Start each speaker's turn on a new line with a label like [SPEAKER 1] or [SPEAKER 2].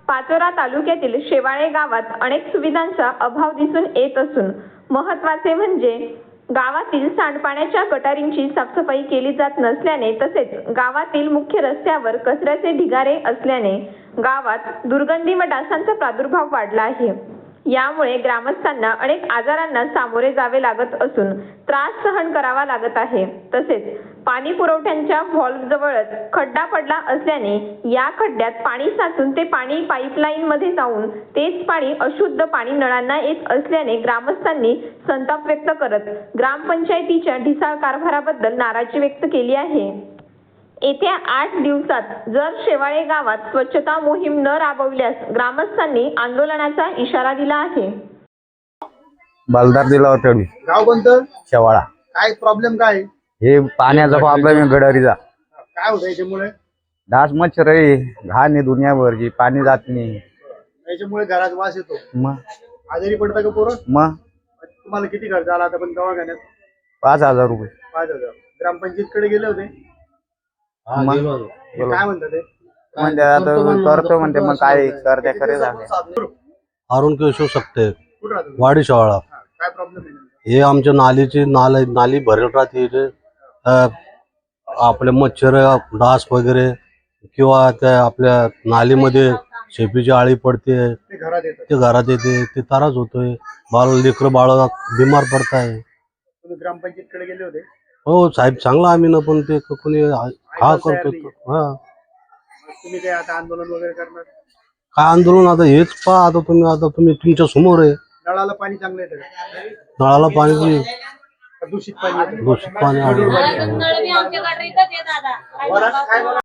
[SPEAKER 1] पाचोरा तालुक्यातील शेवाळे गावात अनेक सुविधांचा अभाव दिसून येत असून महत्त्वाचे म्हणजे गावातील सांडपाण्याच्या गटारींची साफसफाई केली जात नसल्याने तसेच गावातील मुख्य रस्त्यावर कचऱ्याचे ढिगारे असल्याने गावात दुर्गंधी व डासांचा प्रादुर्भाव वाढला आहे। यामुळे ग्रामस्थांना अनेक आजारांना सामोरे जावे लागत असून त्रास सहन करावा लागत आहे। तसेच पाणी पुरवठ्याच्या व्हॉल्व्ह जवळच खड्डा पडला असल्याने या खड्ड्यात पाणी साचून ते पाणी पाईपलाईन मध्ये जाऊन तेच पाणी अशुद्ध पाणी नळांना येत असल्याने ग्रामस्थांनी संताप व्यक्त करत ग्रामपंचायतीच्या ढिसाळ कारभाराबद्दल नाराजी व्यक्त केली आहे। येत्या 8 दिवसात जर शेवाळे गावात स्वच्छता मोहीम न राबवल्यास ग्रामस्थांनी आंदोलनाचा इशारा दिला आहे।
[SPEAKER 2] बलदार दिला होता
[SPEAKER 3] गाव कोणतं?
[SPEAKER 2] शेवाळा।
[SPEAKER 3] काय प्रॉब्लेम काय?
[SPEAKER 2] हे पाण्याचा प्रॉब्लेम आहे गडारीचा।
[SPEAKER 3] काय होतं याच्यामुळे?
[SPEAKER 2] डास मच्छर आहे, घाण आहे दुनियाभरची, पाणी जात नाही।
[SPEAKER 3] याच्यामुळे घरात वास येतो।
[SPEAKER 2] मग
[SPEAKER 3] आजारी पडता का पोरं?
[SPEAKER 2] मग
[SPEAKER 3] तुम्हाला किती खर्च आला आता पण दवाखान्यात?
[SPEAKER 2] 5,000 रुपये।
[SPEAKER 3] 5,000। ग्रामपंचायतीकडे गेले होते?
[SPEAKER 2] मग
[SPEAKER 3] काय म्हणतात ते?
[SPEAKER 2] म्हणजे आता करतो म्हणते, मग काय करते खरे झाले।
[SPEAKER 4] अरुण केशव शकते
[SPEAKER 3] कुठं राहतो?
[SPEAKER 4] वाडी शाळा।
[SPEAKER 3] काय प्रॉब्लेम आहे?
[SPEAKER 4] हे आमच्या नाली भरेल राहते इथे। आपले मच्छर डास वगैरे किंवा त्या आपल्या नालीमध्ये शेपीची आळी पडते,
[SPEAKER 3] ते घरात येतात।
[SPEAKER 4] ते घरात येते, ते त्रास होतोय। लेकरं बाळ बिमार पडताय।
[SPEAKER 3] तुम्ही ग्रामपंचायतीकडे गेले होते?
[SPEAKER 4] हो साहेब, चांगला आम्ही ना, पण ते कोणी हा करतो। हा,
[SPEAKER 3] तुम्ही काय आता आंदोलन वगैरे करणार?
[SPEAKER 4] काय आंदोलन? आता हेच पहा, आता तुम्ही तुमच्या समोर आहे।
[SPEAKER 3] नळाला पाणी चांगलं येतं का?
[SPEAKER 4] नळाला पाणी
[SPEAKER 3] दूषित पाणी येतं?
[SPEAKER 4] दूषित पाणी